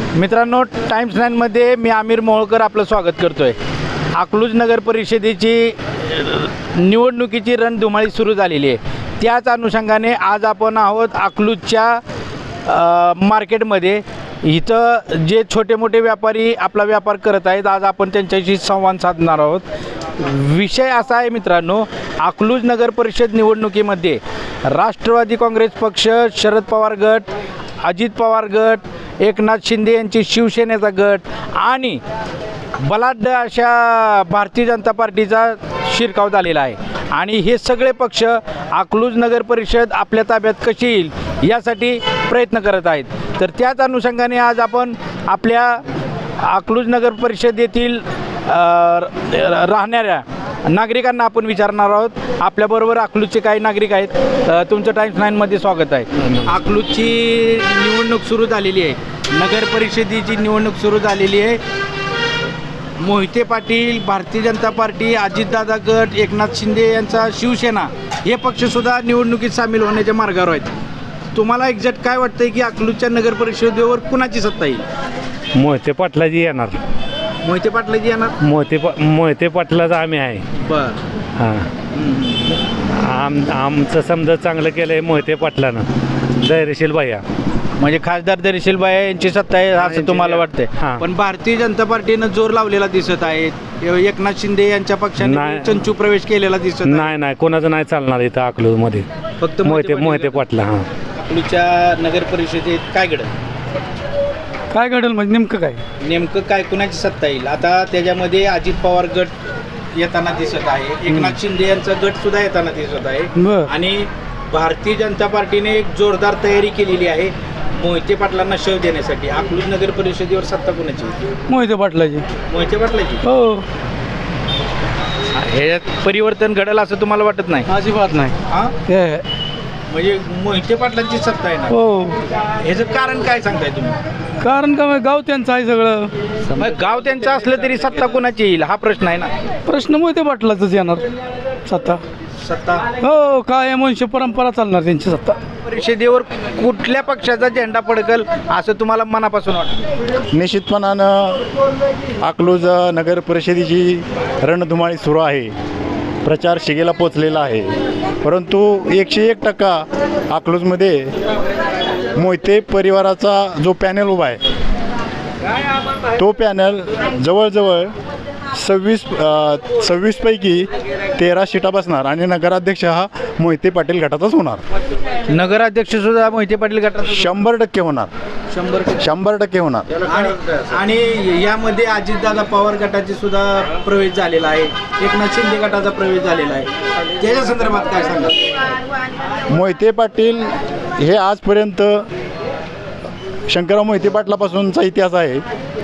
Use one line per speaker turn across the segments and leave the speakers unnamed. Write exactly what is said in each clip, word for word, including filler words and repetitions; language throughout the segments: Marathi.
मित्रांनो, टाइम्स नाईनमध्ये मी आमिर मोहोळकर आपलं स्वागत करतो आहे. अकलूज नगर परिषदेची निवडणुकीची रणधुमाळी सुरू झालेली आहे. त्याच अनुषंगाने आज आपण आहोत अकलूजच्या मार्केटमध्ये. इथं जे छोटे मोठे व्यापारी आपला व्यापार करत आहेत, आज आपण त्यांच्याशी संवाद साधणार आहोत. विषय असा आहे मित्रांनो, अकलूज नगर परिषद निवडणुकीमध्ये राष्ट्रवादी काँग्रेस पक्ष, शरद पवार गट, अजित पवार गट, एकनाथ शिंदे यांची शिवसेनेचा गट आणि बलाढ्य अशा भारतीय जनता पार्टीचा शिरकाव झालेला आहे. आणि हे सगळे पक्ष अकलूज नगर परिषद आपल्या ताब्यात कशी येईल यासाठी प्रयत्न करत आहेत. तर त्याच अनुषंगाने आज आपण आपल्या अकलूज नगर परिषद येथील राहणाऱ्या नागरिकांना आपण विचारणार आहोत. आपल्याबरोबर अकलूजचे काही नागरिक आहेत. तुमचं टाइम्स नाईनमध्ये स्वागत आहे. अकलूजची निवडणूक सुरू झालेली आहे, नगर परिषदेची निवडणूक सुरू झालेली आहे. मोहिते पाटील, भारतीय जनता पार्टी, अजितदादा गट, एकनाथ शिंदे यांचा शिवसेना हे पक्षसुद्धा निवडणुकीत सामील होण्याच्या मार्गावर आहेत. तुम्हाला एक्झॅक्ट काय वाटतंय की अकलूजच्या नगर परिषदेवर कुणाची सत्ता येईल?
मोहिते पाटलाजी येणार.
मोहिते पाटलाजी येणार.
मोहिते पा मोहिते पाटलाचं आम्ही आहे.
बर.
हां, आम आमचं समजा चांगलं केलं आहे मोहिते पाटलानं. धैर्यशील भैया
म्हणजे खासदार धैर्यशील भैया यांची सत्ता आहे असं तुम्हाला वाटतंय?
हां.
पण भारतीय जनता पार्टीनं जोर लावलेला दिसत आहे. एकनाथ शिंदे यांच्या पक्षाने
नाही.
चंचू प्रवेश केलेला दिसत आहे.
नाही नाही कोणाचं नाही चालणार इथं अकलूजमध्ये.
फक्त
मोहिते मोहिते पाटला. हां,
अकलूजच्या नगर परिषदेत काय घडलं?
काय घडेल म्हणजे नेमकं काय?
नेमकं काय, कुणाची सत्ता येईल? आता त्याच्यामध्ये अजित पवार गट येताना दिसत आहे, एकनाथ शिंदे यांचा गट सुद्धा येताना दिसत आहे
बर.
आणि भारतीय जनता पार्टीने एक जोरदार तयारी केलेली आहे मोहिते पाटलांना शव देण्यासाठी. अकलूज नगर परिषदेवर सत्ता कोणाची?
मोहिते पाटलाजी.
मोहिते पाटलाची.
हो,
ह्याच्यात परिवर्तन घडेल असं तुम्हाला वाटत नाही?
अजिबात नाही.
हा,
हे
म्हणजे मोहिते पाटलांची सत्ता आहे ना?
हो.
ह्याचं कारण काय सांगताय तुम्ही?
कारण का मग गाव त्यांचं आहे सगळं.
मग गाव त्यांचं असलं तरी सत्ता कोणाची येईल हा प्रश्न आहे ना.
प्रश्न मोहिते पाटलाचंच येणार सत्ता.
सत्ता
हो, काय वंश परंपरा चालणार त्यांची सत्ता.
परिषदेवर कुठल्या पक्षाचा झेंडा फडकल असं तुम्हाला मनापासून वाटतं?
निश्चितपणानं अकलूज नगर परिषदेची रणधुमाळी सुरू आहे. प्रचार शिगेला पोचलेला आहे. परंतु एकशे एक टक्का अकलूजमध्ये मोहिते परिवाराचा जो पॅनल उभा आहे तो पॅनल जवळजवळ सव्वीस सव्वीसपैकी तेरा सीटा बसणार आणि नगराध्यक्ष हा मोहिते पाटील गटाचाच होणार.
नगराध्यक्ष सुद्धा मोहिते पाटील गटात
शंभर टक्के होणार.
शंभर
शंभर टक्के होणार.
आणि आणि यामध्ये अजितदादा पवार गटाचे सुद्धा प्रवेश झालेला आहे, एकनाथ शिंदे गटाचा प्रवेश झालेला आहे. त्याच्या संदर्भात काय सांगा?
मोहिते पाटील हे आजपर्यंत शंकरराव मोहिते पाटलापासूनचा इतिहास आहे.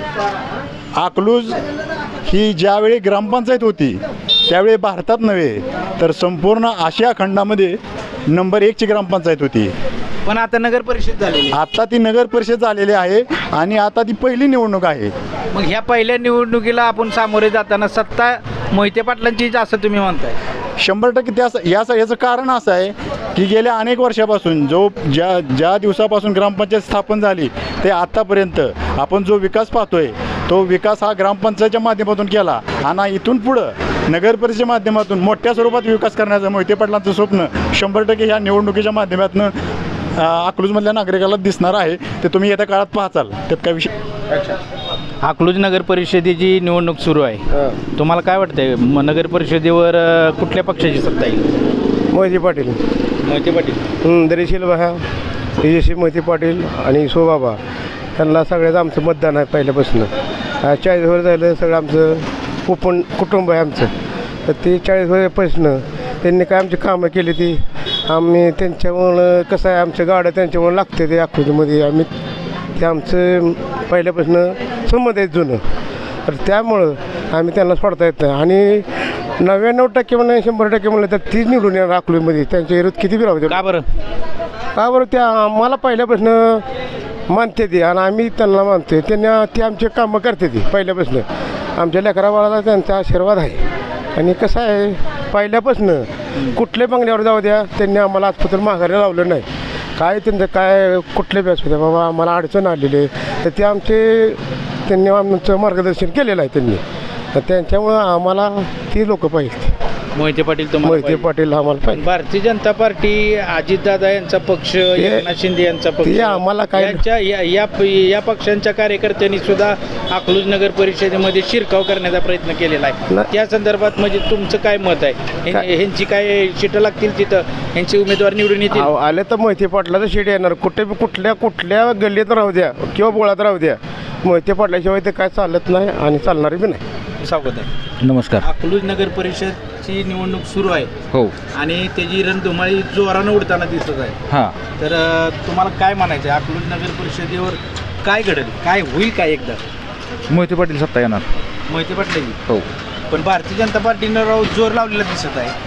अकलूज ही ज्यावेळी ग्रामपंचायत होती त्यावेळी भारतात नव्हे तर संपूर्ण आशिया खंडामध्ये नंबर एकची ग्रामपंचायत होती.
पण आता नगर परिषद झालेली.
आता ती नगर परिषद झालेली आहे आणि आता ती पहिली निवडणूक आहे.
मग ह्या पहिल्या निवडणुकीला आपण सामोरे जाताना सत्ता मोहिते पाटलांचीच असं तुम्ही म्हणताय?
शंभर टक्के त्या याचं याचं कारण असं आहे की गेल्या अनेक वर्षापासून जो ज्या ज्या दिवसापासून ग्रामपंचायत स्थापन झाली ते आत्तापर्यंत आपण जो विकास पाहतोय तो विकास हा ग्रामपंचायतच्या माध्यमातून केला आणि इथून पुढं नगर परिषदेच्या माध्यमातून मोठ्या स्वरूपात विकास करण्याचं मोहिते पाटलांचं स्वप्न शंभर टक्के ह्या निवडणुकीच्या माध्यमातून अकलूजमधल्या नागरिकाला दिसणार आहे. ते तुम्ही येत्या काळात पाहताल. त्यात काय विषय.
अकलूज नगर परिषदेची निवडणूक सुरू आहे. तुम्हाला काय वाटतंय नगर परिषदेवर कुठल्या पक्षाची सत्ता येईल?
मोहिते पाटील.
मोहिते पाटील.
धैर्यशील भैया, तेजस्वी मोहिते पाटील आणि सोबाबा त्यांना सगळ्याचं आमचं मतदान आहे पहिल्यापासून. चाळीस वर झालं सगळं आमचं कुपन कुटुंब आहे आमचं. तर ते चाळीस वर्षापासून त्यांनी काय आमची कामं केली ती आम्ही त्यांच्यामुळं कसं आहे आमच्या गाड्या त्यांच्यामुळं लागते ते अकलूजमध्ये. आम्ही ते आमचं पहिल्यापासून संबंध आहेत जुनं. तर त्यामुळं आम्ही त्यांना सोडता येत नाही. आणि नव्याण्णव टक्के म्हणून शंभर टक्के म्हणलं तर तीच निवडून येणार अकलूजमध्ये. त्यांच्या विरोध किती बी राहू.
का बरं?
का बरं? त्या आम्हाला पहिल्यापासून मानते ती आणि आम्ही त्यांना मानतो. त्यांना ती आमचे कामं करते ती पहिल्यापासून. आमच्या लेकराबाळाला त्यांचा आशीर्वाद आहे. आणि कसं आहे पहिल्यापासून कुठल्या बंगल्यावर जाऊ द्या त्यांनी आम्हाला आजपर्यंत माघारी लावलं नाही. काय त्यांचं काय कुठले बॅस होते बाबा आम्हाला अडचण आलेली आहे तर ते आमचे त्यांनी आमचं मार्गदर्शन केलेलं आहे त्यांनी, तर त्यांच्यामुळं आम्हाला ती लोक पाहिजे.
मोहिते पाटील तुम्हाला
मोहिते
पाहिजे.
पाटील आम्हाला पाहिजे.
भारतीय जनता पार्टी अजितदादा यांचा पक्ष, एकनाथ शिंदे यांचा पक्ष,
ते आम्हाला काय-
यांच्या या या या पक्षांच्या कार्यकर्त्यांनी सुद्धा अकलूज नगर परिषदेमध्ये शिरकाव करण्याचा प्रयत्न केलेला आहे.
नाही.
त्या संदर्भात म्हणजे तुमचं काय मत आहे? ह्यां-
काय?
ह्यांची काय शिटं लागतील तिथं, ह्यांचे उमेदवार निवडून येतील?
आव- आले तर मोहिते पाटलाचं शेड येणार. कुठे बी कुठल्या कुठल्या गल्लीत राहू द्या किंवा बोळात राहू द्या, मोहिते पाटल्याशिवाय ते काय चालत नाही आणि चालणार बी नाही.
स्वागत आहे.
नमस्कार.
अकलूज नगर परिषदची निवडणूक सुरू आहे
हो.
आणि त्याची रणधुमाळी जोरानं उडताना दिसत आहे.
हां.
तर अ, तुम्हाला काय म्हणायचं आहे? अकलूज नगर परिषदेवर काय घडेल, काय होईल काय एकदा?
मोहिते पाटील सत्ता येणार.
मोहिते पाटलांची.
हो.
पण भारतीय जनता पार्टीनं राव जोर लावलेला दिसत आहे.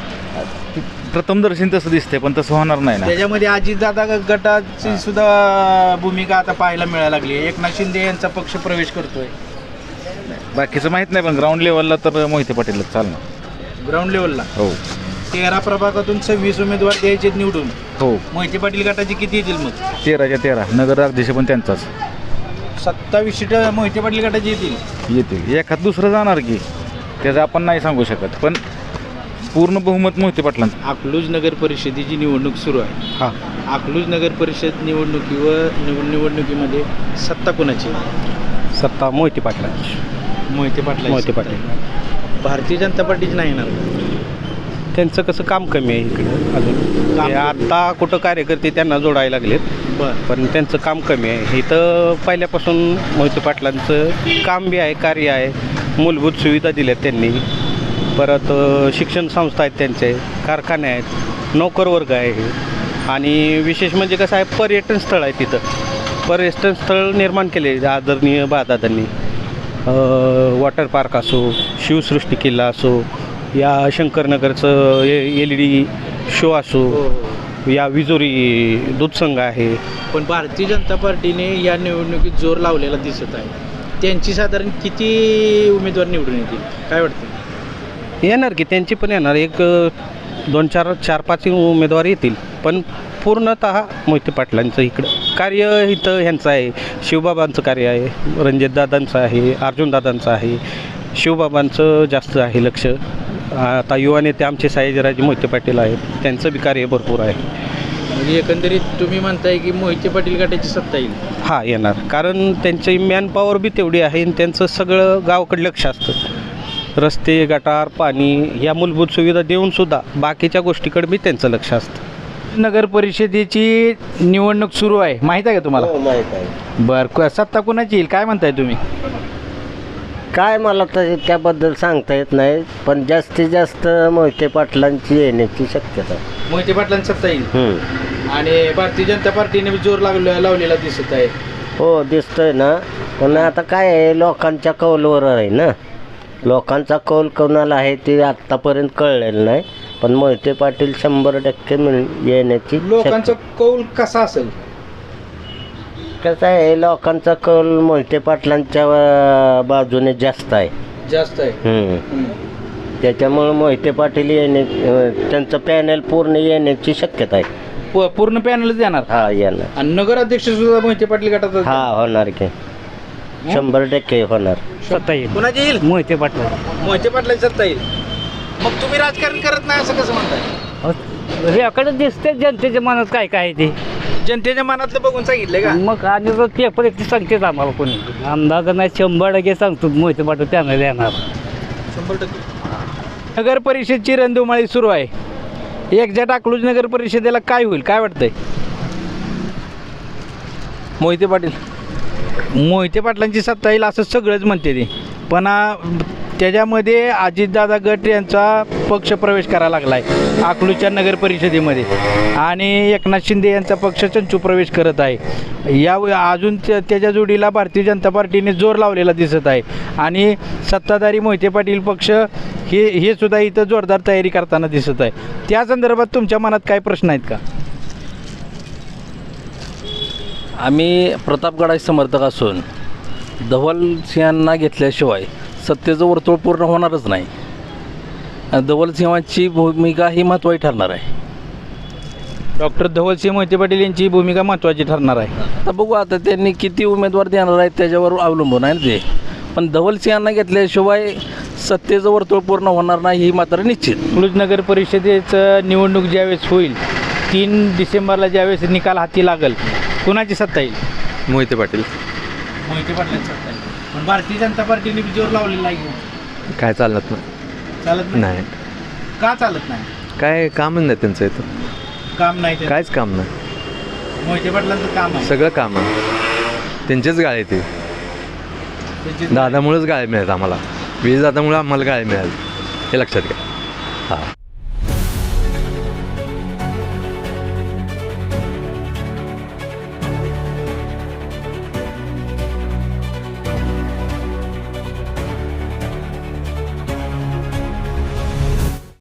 प्रथमदर्शन तसं दिसते पण तसं होणार नाही ना.
त्याच्यामध्ये अजितदादा गटाची सुद्धा भूमिका आता पाहायला मिळायला लागली आहे. एकनाथ शिंदे यांचा पक्ष प्रवेश करतोय.
बाकीचं माहीत नाही पण ग्राउंड लेवलला तर मोहिते पाटीलच चालणार.
ग्राउंड लेवलला
हो.
तेरा प्रभागातून सव्वीस उमेदवार द्यायचे निवडून.
हो.
मोहिते पाटील गटाचे किती येतील मग?
तेराच्या तेरा नगर अध्यक्ष पण त्यांचाच
सत्तावीस सीट मोहिते पाटील गटाचे येतील.
येतील. एखाद दुसरं जाणार की त्याचं आपण नाही सांगू शकत, पण पूर्ण बहुमत मोहिते पाटलांचं.
अकलूज नगर परिषदेची निवडणूक सुरू आहे.
हां.
अकलूज नगर परिषद निवडणुकीवर निव निवडणुकीमध्ये सत्ता कोणाची?
सत्ता मोहिते पाटलांची.
मोहिते पाटील.
मोहिते पाटील.
भारतीय जनता पार्टीची नाही येणार.
त्यांचं कसं काम कमी आहे इकडं अजून.
काम
ते आता कुठं कार्यकर्ते त्यांना जोडायला लागलेत,
बरं.
पण त्यांचं काम कमी आहे. इथं पहिल्यापासून मोहिते पाटलांचं काम बी आहे, कार्य आहे, मूलभूत सुविधा दिल्यात त्यांनी. परत अ, शिक्षण संस्था आहेत त्यांचे, कारखाने आहेत, नोकरवर्ग आहे. आणि विशेष म्हणजे कसं आहे, पर्यटन स्थळ आहे तिथं. पर्यटन स्थळ निर्माण केले आदरणीय बादादांनी. वॉटर पार्क असो, शिवसृष्टी किल्ला असो, या शंकरनगरचं एल ई डी शो असो, या विजोरी दूधसंघ आहे.
पण भारतीय जनता पार्टीने या निवडणुकीत जोर लावलेला दिसत आहे. त्यांची साधारण किती उमेदवार निवडून येतील काय वाटतं?
येणार की त्यांची पण येणार. एक अ, दोन चार चार पाच उमेदवार येतील, पण पूर्णतः मोहिते पाटलांचं इकडं कार्य इथं ह्यांचं आहे. शिवबाबांचं कार्य आहे, रणजितदादांचं आहे, अर्जुनदादांचं आहे. शिवबाबांचं जास्त आहे लक्ष. आता युवा नेते आमचे सायाजीराजे मोहिते पाटील आहेत, त्यांचं बी कार्य भरपूर आहे.
म्हणजे एकंदरीत तुम्ही म्हणताय की मोहिते पाटील गटाची सत्ता येईल.
हां, येणार. कारण त्यांची मॅनपॉवर बी तेवढी आहे आणि त्यांचं सगळं गावाकडे लक्ष असतं. रस्ते, गटार, पाणी या मूलभूत सुविधा देऊनसुद्धा बाकीच्या गोष्टीकडे बी त्यांचं लक्ष असतं.
नगर परिषदेची निवडणूक सुरू आहे, माहीत आहे का तुम्हाला?
माहीत आहे.
बरं. सत्ता कोणाची येईल काय म्हणताय तुम्ही?
काय मला तर त्याबद्दल सांगता येत नाही, पण जास्तीत जास्त मोहिते पाटलांची येण्याची शक्यता आहे.
मोहिते पाटलांची सत्ता येईल.
हम्म.
आणि भारतीय जनता पार्टीने बी जोर लागलो लावलेला दिसत आहे.
हो, दिसतोय ना. पण आता काय आहे, लोकांच्या कौलवर आहे ना. लोकांचा कौल कोणाला आहे ते आत्तापर्यंत कळलेलं नाही, पण मोहिते पाटील शंभर टक्के मिळ येण्याची
लोकांचा कौल कसा असेल?
कसं आहे, लोकांचा कौल मोहिते पाटलांच्या अं, बाजूने जास्त आहे.
जास्त आहे.
हम्म.
हम्म.
त्याच्यामुळं मोहिते पाटील येणे अं, त्यांचं पॅनल पूर्ण येण्याची शक्यता आहे.
प- पूर्ण पॅनलच देणार.
हा, येणार.
आणि नगराध्यक्ष सुद्धा मोहिते पाटील गटाचा.
हा, होणार की शंभर टक्के होणार.
सत्ता येईल
कोणाची येईल?
मोहिते पाटील.
मोहिते पाटलांची सत्ता येईल. मग तुम्ही राजकारण करत नाही असं कसं म्हणताय?
याकडे दिसते जनतेच्या मनात काय काय आहे ते.
जनतेच्या मनातलं बघून सांगितलंय का?
मग आणि रोज पेपर एक सांगतेच आम्हाला कोणी अंदाज नाही, शंभर टक्के सांगतो मोहिते पाटील त्यांना येणार.
शंभर टक्के. नगर परिषदची रणधुमाळी सुरू आहे. एक्झॅक्ट अकलूज नगर परिषदेला काय होईल काय वाटतंय? मोहिते पाटील. मोहिते पाटलांची सत्ता येईल असं सगळंच म्हणते ते, पण आ, त्याच्यामध्ये अजितदादा गट यांचा पक्ष प्रवेश करायला लागला आहे अकलूजच्या नगर परिषदेमध्ये, आणि एकनाथ शिंदे यांचा पक्ष चंचू प्रवेश करत आहे. या अजून त्या त्याच्या जोडीला भारतीय जनता पार्टीने जोर लावलेला दिसत आहे, आणि सत्ताधारी मोहिते पाटील पक्ष हे हे सुद्धा इथं जोरदार तयारी करताना दिसत आहे. त्या संदर्भात तुमच्या मनात काय प्रश्न आहेत का?
आम्ही प्रतापगडाचे समर्थक असून धवल सिंहांना घेतल्याशिवाय सत्तेचं वर्तुळ पूर्ण होणारच नाही. आणि धवल सिंहांची भूमिका ही महत्त्वाची ठरणार आहे.
डॉक्टर धवलसिंह मोहिते पाटील यांची भूमिका महत्त्वाची ठरणार आहे.
आता बघू आता त्यांनी किती उमेदवार देणार आहेत त्याच्यावर अवलंबून आहे ना ते. पण धवलसिंहांना घेतल्याशिवाय सत्तेचं वर्तुळ पूर्ण होणार नाही ही मात्र निश्चित.
अकलूज नगर परिषदेचं निवडणूक ज्यावेळेस होईल तीन डिसेंबरला ज्यावेळेस निकाल हाती लागेल कुणाची सत्ता येईल?
मोहिते पाटील.
मोहिते पाटलांची सत्ता येईल. पण भारतीय जनता पार्टीने जोर लावलेला आहे.
काय चालत नाही.
चालत
नाही.
का चालत नाही?
काय कामच नाही त्यांचं इथं.
काम नाही ते.
काहीच काम नाही.
मोहिते पाटलांचं काम आहे.
सगळं काम आहे त्यांचेच गाळे ते.
त्याची-
दादामुळेच गाळे मिळाले आम्हाला. वीज दादामुळे आम्हाला गाळे मिळाले हे लक्षात घ्या.